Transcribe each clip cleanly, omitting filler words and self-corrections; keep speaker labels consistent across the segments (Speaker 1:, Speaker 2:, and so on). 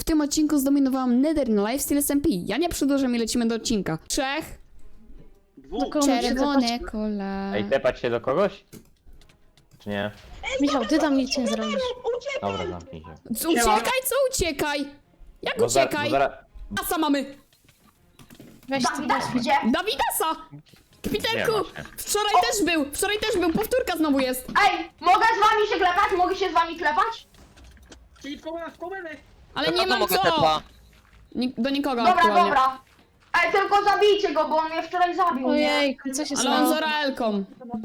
Speaker 1: tym odcinku zdominowałam Nether na lifestyle SMP. Ja nie przedłużam i lecimy do odcinka. 3. Czerwone kola.
Speaker 2: Ej, tepać się do kogoś? Czy nie?
Speaker 3: Michał, ty tam nic nie zrobisz.
Speaker 2: Dobra, zamknij się.
Speaker 1: Uciekaj, co uciekaj? Jak uciekaj? Dasa mamy!
Speaker 3: Weź ty
Speaker 4: Dawida
Speaker 3: weź.
Speaker 4: gdzie?
Speaker 1: Dawidasa! Kpiterku!
Speaker 2: Nie ma się.
Speaker 1: Wczoraj też był, powtórka znowu jest.
Speaker 4: Ej, mogę z wami się klepać? Mogę się z wami klepać?
Speaker 5: Czyli w kołę,
Speaker 1: Ale nie mam
Speaker 6: mogę
Speaker 1: co!
Speaker 6: tepa.
Speaker 1: Do nikogo
Speaker 4: Dobra,
Speaker 1: aktualnie.
Speaker 4: dobra. Ej, tylko zabijcie go, bo on mnie wczoraj zabił, nie?
Speaker 3: Ojej, co się
Speaker 1: Ale on
Speaker 3: stało?
Speaker 1: z Oraelką.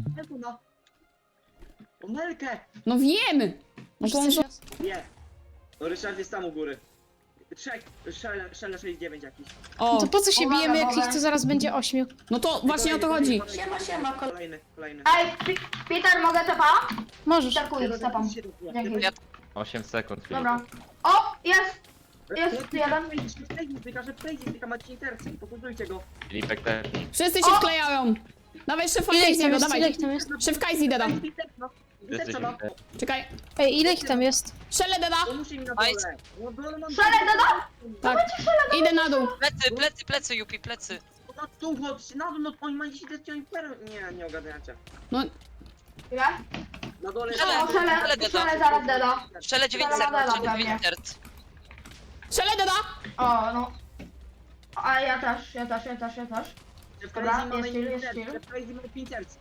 Speaker 5: O Melkę!
Speaker 1: No wiem! No to on...
Speaker 5: Nie. O, Ryszard jest tam u góry. Trzech, Szele 69 jakiś.
Speaker 1: O,
Speaker 3: To po co się
Speaker 4: Uwaga,
Speaker 3: bijemy, jak
Speaker 4: uwaga.
Speaker 3: ich to zaraz będzie 8?
Speaker 1: no to właśnie o to chodzi.
Speaker 4: Siema.
Speaker 5: Kolejny.
Speaker 4: Ej, Peter, mogę tepa?
Speaker 3: Możesz.
Speaker 4: Takuję, stepam. Dzięki.
Speaker 6: Ja-
Speaker 2: 8 sekund. Filip.
Speaker 4: Dobra. O, jest! Jest jeden.
Speaker 5: Że Prejdzie, tylko macie intercy, pokontrujcie go.
Speaker 2: Filipek też.
Speaker 1: Wszyscy się wklejają. Dawaj szefa
Speaker 3: Ile ich tam
Speaker 1: Kajziego,
Speaker 3: jest?
Speaker 1: dawaj.
Speaker 3: Ile ich tam jest?
Speaker 1: Szef Kajzi deda.
Speaker 2: Wszyscy się wklejają.
Speaker 1: Czekaj.
Speaker 3: Ej, ile ich tam jest?
Speaker 1: Szele deda.
Speaker 5: To musi mi na dole. No, dole mam...
Speaker 4: Szele deda?
Speaker 1: Tak. Idę na dół.
Speaker 6: Plecy, Jupi, plecy.
Speaker 5: Na dół, chodźcie, na dół, no oni mają 10 lat, oni per... Nie ogarniacie.
Speaker 1: No,
Speaker 4: Ile?
Speaker 5: Na dole...
Speaker 4: O, szele zaraz deda.
Speaker 6: Szczele 9
Speaker 4: Dobra,
Speaker 6: serc,
Speaker 4: dobra,
Speaker 6: szczele 9 serc.
Speaker 1: szele deda.
Speaker 4: O, no. A ja też.
Speaker 5: W
Speaker 4: Dobra,
Speaker 5: Prejdzie mamy
Speaker 4: jest chill, jest
Speaker 5: intercy,
Speaker 4: chill.
Speaker 5: w Prejdzie mamy 5 serc.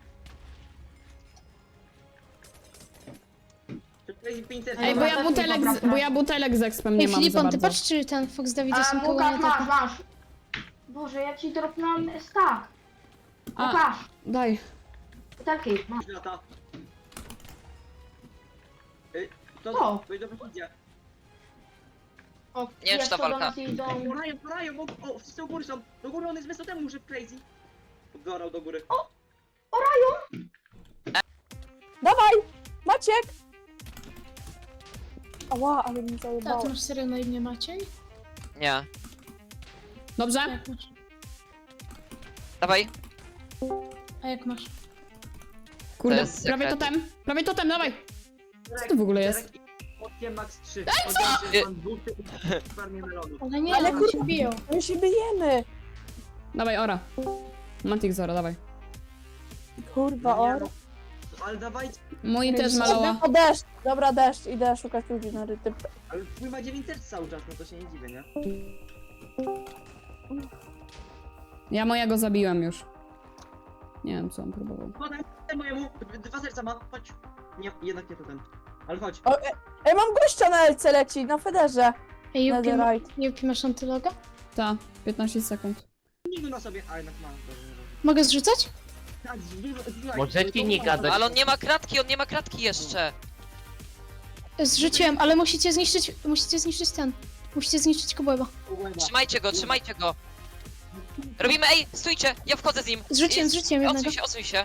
Speaker 5: W Prejdzie 5 serc.
Speaker 1: Ej, bo ja butelek z expem nie
Speaker 3: Ej,
Speaker 1: mam za
Speaker 3: Filipon, ty
Speaker 1: bardzo.
Speaker 3: patrz, czy ten Fox Davide
Speaker 4: A,
Speaker 3: są koło
Speaker 4: Łukasz,
Speaker 3: mnie.
Speaker 4: masz. Boże, ja ci dropnąłem stack.
Speaker 1: A,
Speaker 4: Łukasz,
Speaker 1: daj.
Speaker 4: butelki, masz.
Speaker 5: Lata.
Speaker 4: O.
Speaker 5: To dobrze idzie.
Speaker 4: O,
Speaker 6: Nie wiem, czy ta
Speaker 4: jeszcze do
Speaker 6: walka.
Speaker 4: nas idą.
Speaker 5: Porają, bo o, wszyscy u góry są. Do góry on jest wysoko temu, że crazy. Gorał do góry.
Speaker 7: Dawaj! Maciek! Ała, ale mi
Speaker 3: A
Speaker 7: zajebało.
Speaker 3: ty masz serio na imię Maciej?
Speaker 6: Nie.
Speaker 1: Dobrze?
Speaker 3: Jak masz?
Speaker 6: Dawaj.
Speaker 3: A jak masz?
Speaker 1: Kurde,
Speaker 6: To jest
Speaker 1: prawie
Speaker 6: sekret.
Speaker 1: totem, dawaj. Co to w ogóle jest?
Speaker 5: Odkiem max 3.
Speaker 1: Ej, co?
Speaker 5: Mam dwóch w farmie melonu.
Speaker 3: Ale nie,
Speaker 7: Ale
Speaker 3: ale
Speaker 7: kur-
Speaker 3: się biją.
Speaker 7: My się bijemy!
Speaker 1: Dawaj, ora. Mantik Zoro, dawaj.
Speaker 7: Kurwa, o.
Speaker 5: Ale dawajcie,
Speaker 1: Mój też maloła.
Speaker 7: O, deszcz! Dobra, deszcz. Idę szukać ludzi na ryty.
Speaker 5: ale twój ma 9 serc cały czas, no to się nie dziwię, nie?
Speaker 1: Ja mojego zabiłem już. Nie wiem, co on próbował.
Speaker 5: Podaj mojemu, 2 serca ma, chodź. Nie, jednak nie to ten. Ale chodź.
Speaker 7: O, mam gościa na LC leci, na Federze.
Speaker 3: Ej, Jupi,
Speaker 7: Netherite.
Speaker 3: Jupi, masz antyloga?
Speaker 1: Ta, 15 sekund.
Speaker 5: Nigu na sobie, a jednak mam.
Speaker 3: Mogę zrzucać?
Speaker 5: Tak,
Speaker 2: Możecie nie gadać.
Speaker 6: Ale on nie ma kratki jeszcze.
Speaker 3: Zrzuciłem, ale musicie zniszczyć ten. Musicie zniszczyć kobłęba.
Speaker 6: Trzymajcie go. Robimy, ej, stójcie, ja wchodzę z nim.
Speaker 3: Zrzuciłem jednego.
Speaker 6: Odsuń się.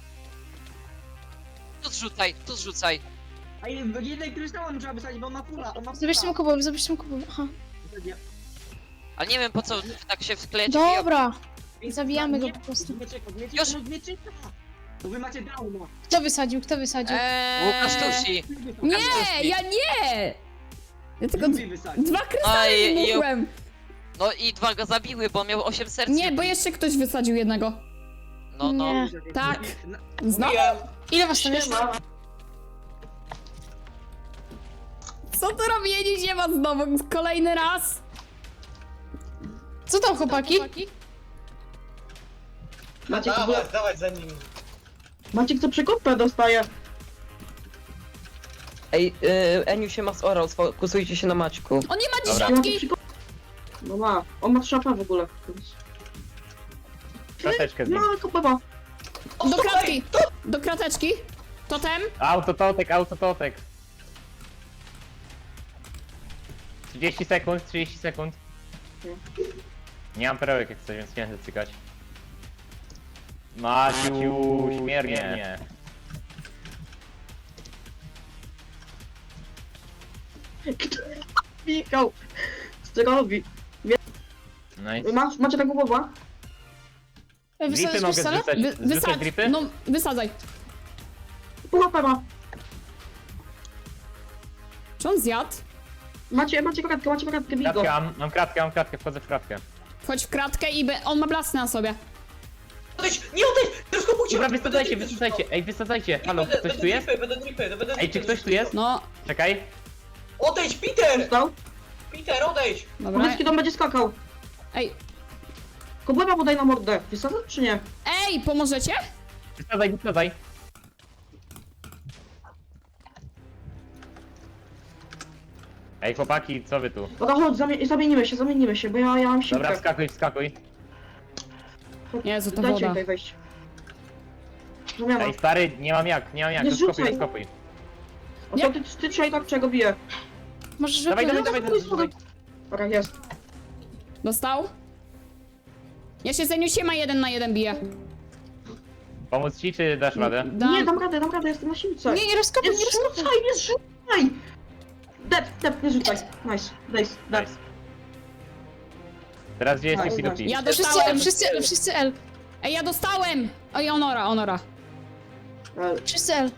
Speaker 6: Tu zrzucaj.
Speaker 5: A jednej kryształu trzeba wysadzić, bo on ma fula, on ma
Speaker 3: Zabierzcie mu kobłęb, Aha.
Speaker 6: Ale nie wiem po co wy tak się wklejecie.
Speaker 3: Dobra, zabijamy go po prostu.
Speaker 6: Już.
Speaker 5: Bo wy macie downa.
Speaker 3: Kto wysadził?
Speaker 6: Łukasz Tusi.
Speaker 1: Nie, ja nie! Ja tylko
Speaker 5: Lubi wysadzić.
Speaker 1: 2 krystale
Speaker 6: i-
Speaker 1: wybuchłem.
Speaker 6: No i 2 go zabiły, bo on miał 8 serc.
Speaker 1: Nie, bo jeszcze ktoś wysadził jednego.
Speaker 6: No.
Speaker 3: Nie.
Speaker 1: Tak. Znowu?
Speaker 3: Ile was tam jest?
Speaker 1: Co tu robi? Nie ma znowu. Kolejny raz.
Speaker 3: Co tam, chłopaki?
Speaker 5: Maciek,
Speaker 8: Dawać za nim.
Speaker 5: Maciek co przekopę dostaje.
Speaker 8: Ej, Eniu się ma zorał, sfokusujcie się na Maćku.
Speaker 1: On nie ma
Speaker 2: Dobra.
Speaker 1: dziesiątki.
Speaker 5: No ma, on ma szapa w ogóle.
Speaker 2: Krateczkę z nim.
Speaker 5: No, kopywa.
Speaker 1: Do kratki. Do krateczki. Totem.
Speaker 2: Autototek. 30 sekund. Nie mam perełek jak coś, więc nie chcę cykać. Maciu, śmiernie.
Speaker 5: Michał, co ty robi?
Speaker 2: No i
Speaker 5: Macie taką głowę?
Speaker 1: Wysadzić
Speaker 2: dripy mogę
Speaker 1: pistolet?
Speaker 2: zrzucać. Zrzucać dripy?
Speaker 1: No, wysadzaj.
Speaker 5: Pułapę ma.
Speaker 1: Czy on zjadł?
Speaker 5: Macie kratkę, bij go.
Speaker 2: Kratkę, mam kratkę, wchodzę w kratkę.
Speaker 1: Wchodź w kratkę i on ma blasy na sobie.
Speaker 9: Odejdź! Nie odejdź! Rozkopujcie!
Speaker 2: Dobra, wysadzajcie, ej, wysadzajcie. Halo, ktoś tu jest?
Speaker 9: Będę dripy.
Speaker 2: Ej, czy ktoś tu jest?
Speaker 1: No,
Speaker 2: Czekaj.
Speaker 9: Odejdź, Peter!
Speaker 5: Stał?
Speaker 9: Peter, odejdź!
Speaker 1: dobra.
Speaker 5: Kubecki dom będzie skakał.
Speaker 1: Ej,
Speaker 5: Kobłęba mu daj na mordę. Wysadzać czy nie?
Speaker 1: ej, pomożecie?
Speaker 2: Wysadzaj. Ej, chłopaki, co wy tu?
Speaker 5: Dobra, chodź, zamienimy się, bo ja mam siłkę.
Speaker 2: Dobra, wskakuj.
Speaker 1: Jezu, to
Speaker 5: Dajcie
Speaker 1: woda.
Speaker 5: tutaj wejść. Zamiana.
Speaker 2: Ej, stary, nie mam jak,
Speaker 5: Nie zrzucaj.
Speaker 2: rozkopuj.
Speaker 5: O to ty trzej tak czego bije.
Speaker 3: Możesz
Speaker 2: Dawaj,
Speaker 3: wypłynąć?
Speaker 2: dawaj.
Speaker 5: Dobra, jest.
Speaker 1: Dostał? Ja się Zeniusiem 1 na 1 biję.
Speaker 2: Pomóc ci, czy dasz radę?
Speaker 5: Nie, dam radę, jestem na siłce.
Speaker 3: Nie rozkopuj,
Speaker 5: Nie
Speaker 3: nie rozkopuj.
Speaker 5: zrzucaj, nie zrzucaj! Dep, nie rzucaj. Nice.
Speaker 2: Nice. Teraz gdzie jest
Speaker 5: Nice,
Speaker 2: Yuki
Speaker 5: nice.
Speaker 2: Duki?
Speaker 1: Ja
Speaker 3: Wszyscy
Speaker 1: dostałem!
Speaker 3: L, wszyscy L.
Speaker 1: Ej, ja dostałem! Oj, Onora.
Speaker 3: Wszyscy L.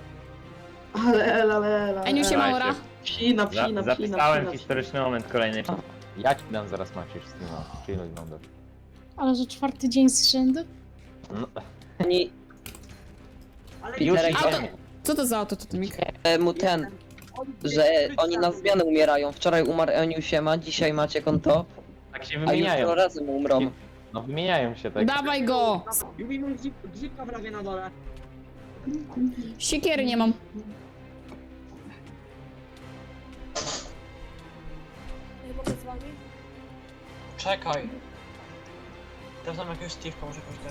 Speaker 5: Ale.
Speaker 1: Eniusie
Speaker 2: Dawajcie.
Speaker 1: Maura.
Speaker 5: Psina.
Speaker 2: Zapisałem historyczny moment kolejny. Ja ci dam zaraz Maciuś z tym, chwilę będę.
Speaker 3: Ale że 4. dzień z rzędu?
Speaker 2: No,
Speaker 8: Oni
Speaker 2: już
Speaker 8: Peter,
Speaker 2: i
Speaker 1: Auto. Co to za auto, Totemik?
Speaker 8: mu ten, że oni na zmianę umierają. Wczoraj umarł Eniu Siema, dzisiaj macie konto,
Speaker 2: tak się
Speaker 8: a
Speaker 2: wymieniają.
Speaker 8: jutro razem umrą.
Speaker 2: No wymieniają się tak.
Speaker 1: Dawaj go!
Speaker 5: Jubi mój gzipka prawie na dole.
Speaker 1: Siekiery nie mam.
Speaker 7: Nie mogę z wami?
Speaker 9: Czekaj. Teraz mam jakiegoś Steve'ka, może jakoś tak.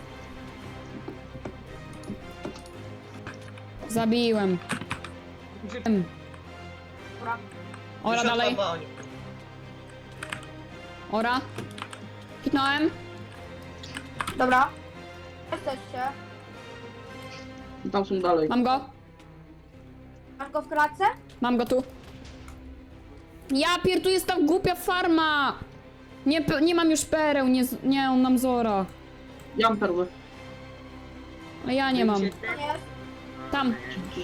Speaker 1: Zabiłem. Ora dalej. Ora. Hitnąłem.
Speaker 4: Dobra. Jesteście.
Speaker 5: Tam są dalej.
Speaker 1: Mam go.
Speaker 4: Masz go w klatce?
Speaker 1: Mam go tu. Ja tu jest ta głupia farma! Nie mam już pereł, nie, on nam zora.
Speaker 5: Ja mam perły.
Speaker 1: A ja nie mam.
Speaker 4: To nie jest.
Speaker 1: Tam.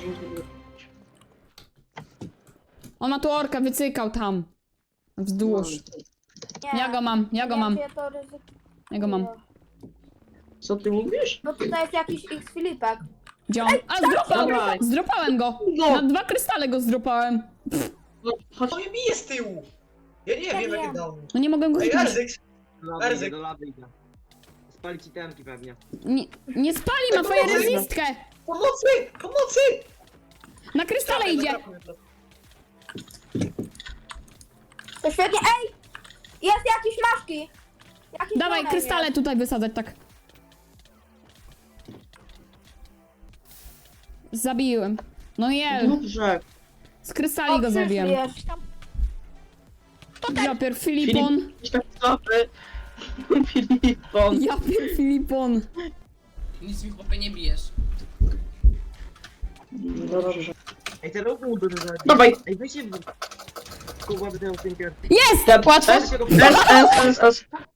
Speaker 1: On ma tu orka, wycykał tam. Wzdłuż.
Speaker 4: Nie.
Speaker 1: Ja go mam.
Speaker 4: Nie, czy to ryzyko.
Speaker 1: Ja go mam.
Speaker 5: Co ty mówisz?
Speaker 4: No tutaj jest jakiś X Filipek.
Speaker 1: Gdzie on? A, zdropałem!
Speaker 5: Dawaj.
Speaker 1: Zdropałem go!
Speaker 5: No.
Speaker 1: Na 2 krystale go zdropałem.
Speaker 5: Chodź.
Speaker 9: To mnie bije z tyłu! Ja nie wiem, jakie dał.
Speaker 1: No nie mogę go
Speaker 9: Ej,
Speaker 1: hitnąć.
Speaker 9: Erzyk! Erzyk.
Speaker 5: Do lawy idę. Spali ci temki pewnie.
Speaker 1: Nie spali, ma twoją rezistkę!
Speaker 9: Pomocy!
Speaker 1: Na krystale idzie!
Speaker 4: To świetnie. Ej! Jest jakiś maszki. Jakiś
Speaker 1: Dawaj,
Speaker 4: model
Speaker 1: krystale
Speaker 4: jest.
Speaker 1: tutaj wysadzać, tak. Zabiłem. No jel,
Speaker 5: Dobrze.
Speaker 1: z krystali
Speaker 4: O,
Speaker 1: go
Speaker 4: przyszli
Speaker 1: zabiłem.
Speaker 4: jeszcze.
Speaker 1: Japier Filipon.
Speaker 5: Filipon.
Speaker 1: Japier Filipon.
Speaker 10: Nic mi chłopie nie bijesz.
Speaker 5: Dobrze.
Speaker 11: Ej, ten ruch byłby
Speaker 5: Dawaj.
Speaker 11: Ej, wyjście w... Kuba, będę Tinker.
Speaker 1: Jest!
Speaker 3: Łatwo.
Speaker 5: S.